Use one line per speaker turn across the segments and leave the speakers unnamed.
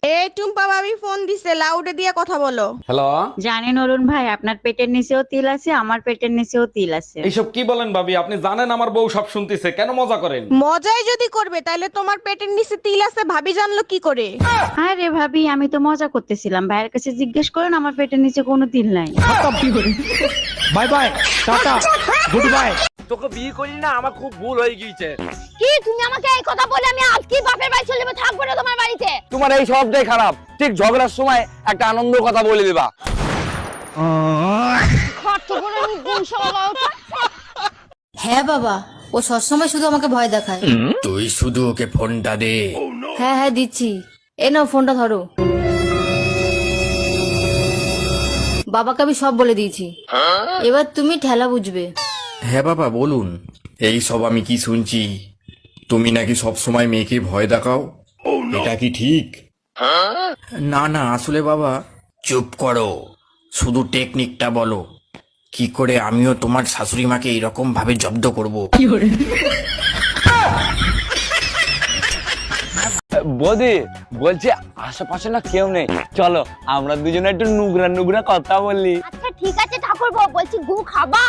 এই টুম্পা ভাবি ফোন দিছে, লাউডে দিয়ে কথা বলো।
হ্যালো,
জানেন অরুণ ভাই, আপনার পেটের নিচেও তিল আছে, আমার পেটের নিচেও তিল আছে।
এইসব কি বলেন ভাবি? আপনি জানেন আমার বউ সব শুনতেছে, কেন মজা করেন?
মজাই যদি করবে তাহলে তোমার পেটের নিচে তিল আছে ভাবি জানলো কি করে?
আরে ভাবি, আমি তো মজা করতেছিলাম। ভাইয়ের কাছে জিজ্ঞেস করেন, আমার পেটের নিচে কোনো তিল নাই।
Bye bye, tata, good bye.
তোকে বিয়ে করি না, আমার খুব ভুল হয়ে গিয়েছে।
কি তুমি আমাকে এই কথা বলে আমি আজকে বাপের বাড়ি চলে যাবো, থাকবো না তোমার বাড়িতে।
তোমার এই সবটাই খারাপ। ঠিক ঝগড়ার সময় একটা আনন্দ কথা বলে দিবা।
হ্যাঁ বাবা, ও সবসময় শুধু আমাকে ভয় দেখায়।
তুই শুধু ওকে ফোনটা দে।
হ্যাঁ হ্যাঁ দিচ্ছি, এ নাও ফোনটা ধরো। বাবাকে আমি সব বলে দিয়েছি, এবার তুমি ঠেলা বুঝবে।
হ্যাঁ বাবা বলুন। এই সব আমি কি শুনছি? তুমি নাকি সব সময় মেয়েকে ভয় দেখাও, এটা কি ঠিক? না না, আসলে বাবা। চুপ করো, শুধু টেকনিকটা বলো, কি করে আমিও তোমার শাশুড়ি মাকে এইরকম ভাবে জব্দ করব।
বৌদি বলছি আশেপাশে না কেউ নেই, চলো আমরা দুজনে একটু নুগরা নুগরা কথা বলি।
আচ্ছা ঠিক আছে ঠাকুরপো, বলছি গু খাবা?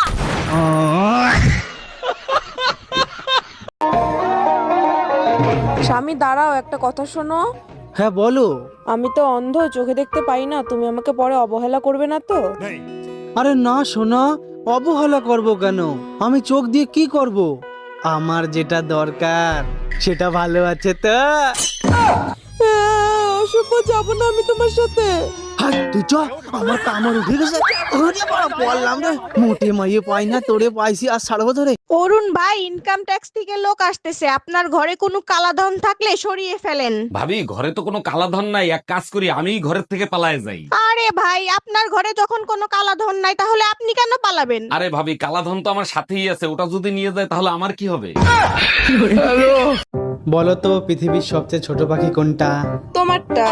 স্বামী দাঁড়াও, একটা কথা শোনো।
হ্যাঁ বলো।
আমি তো অন্ধ, চোখে দেখতে পাই না, তুমি আমাকে পরে অবহেলা করবে না তো?
আরে না সোনা, অবহেলা করব কেন? আমি চোখ দিয়ে কি করব? আমার যেটা দরকার সেটা ভালো আছে তো।
অসভ্য, যাবো না আমি তোমার সাথে।
হাই তুই চ, আমার কামড় উঠে গেছে। ওরে বাবা, বললাম রে, মোটে মাইয়ে পাই না, তোরে পাইছি আর ছাড়বো ধরে।
অরুণ ভাই, ইনকাম ট্যাক্স থেকে লোক আসতেছে, আপনার ঘরে কোনো কালাধন থাকলে সরিয়ে ফেলেন।
ভাবি, ঘরে তো কোনো কালাধন নাই, এক কাজ করি, আমিই ঘরের থেকে পালায়ে যাই।
আরে ভাই, আপনার ঘরে যখন কোনো কালাধন নাই তাহলে আপনি কেন পালাবেন?
আরে ভাবি, কালাধন তো আমার সাথেই আছে, ওটা যদি নিয়ে যায় তাহলে আমার কি হবে?
বলো তো, পৃথিবীর সবচেয়ে ছোট পাখি কোনটা?
তোমারটা।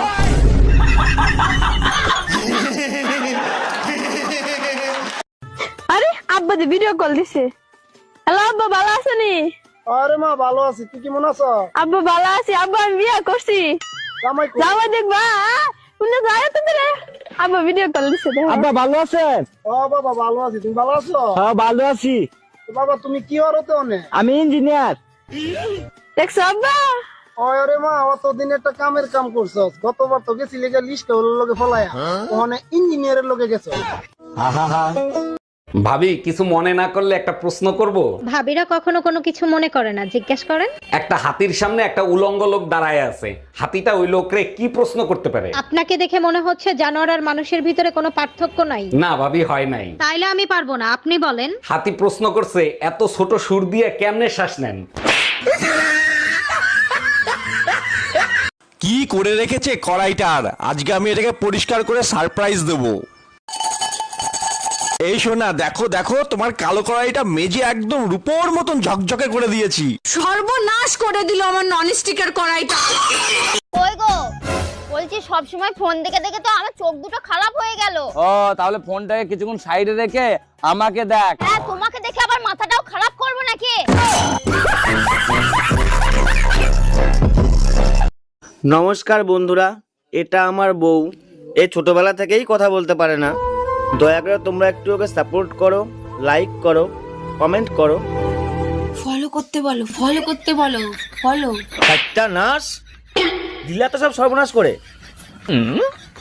আরে আব্বা দি ভিডিও কল দিছে। হ্যালো আব্বা, ভালো আছেনি?
আরে মা, ভালো আছি, তুই কেমন আছো?
আব্বা ভালো আছি, আব্বা আমি বিয়ে করছি।
জামাই কই?
যাওয়া দেখবা, তুমি যাও তো দিলে। আব্বা ভিডিও কল দিছে।
আব্বা ভালো আছেন?
ও বাবা, ভালো আছি, তুমি ভালো আছো?
হ্যাঁ ভালো আছি।
তো বাবা, তুমি কি হরতে অনে?
আমি ইঞ্জিনিয়ার।
দেখছো আব্বা?
আরে মা, অতদিন একটা কামের কাম করছস, গতবার তো গেছিলি গা লিস্ট লগে ফলায়া, ওখানে ইঞ্জিনিয়ারের লগে গেছো।
ভাবি, কিছু মনে না করলে একটা প্রশ্ন করব?
ভাবিরা কখনো কোনো কিছু মনে করে না, জিজ্ঞেস করেন।
একটা হাতির সামনে একটা উলঙ্গ লোক দাঁড়ায় আছে, হাতিটা ওই লোকরে কি প্রশ্ন করতে পারে?
আপনাকে দেখে মনে হচ্ছে জানোয়ার আর মানুষের ভিতরে কোনো পার্থক্য নাই।
না ভাবি, হয় নাই।
তাইলে আমি পারবো না, আপনি বলেন।
হাতি প্রশ্ন করছে, এত ছোট সুর দিয়ে কেমনে শ্বাস নেন?
কি করে রেখেছে কড়াইটার, আজকে আমি এটাকে পরিষ্কার করে সারপ্রাইজ দেব। এই শোনা, দেখো দেখো, তোমার কালো কড়াইটা মেজে একদম রূপোর মতন ঝকঝকে করে দিয়েছি।
সর্বনাশ করে দিল আমার ননস্টিকের কড়াইটা।
কই গো, বলছি সব সময় ফোন দেখে দেখে তো আমার চোখ দুটো খারাপ হয়ে গেল।
ও তাহলে ফোনটাকে কিছুক্ষণ সাইডে রেখে আমাকে দেখ।
হ্যাঁ, তোমাকে দেখে আবার মাথাটাও খারাপ করবো নাকি?
নমস্কার বন্ধুরা, এটা আমার বউ। এ ছোটবেলা থেকেই কথা বলতে পারে না। দয়া করে তোমরা একটু ওকে সাপোর্ট করো, লাইক করো, কমেন্ট করো।
ফলো করতে বলো, ফলো করতে বলো, ফলো।
একটা নাশ দিলা তো সব সর্বনাশ করে।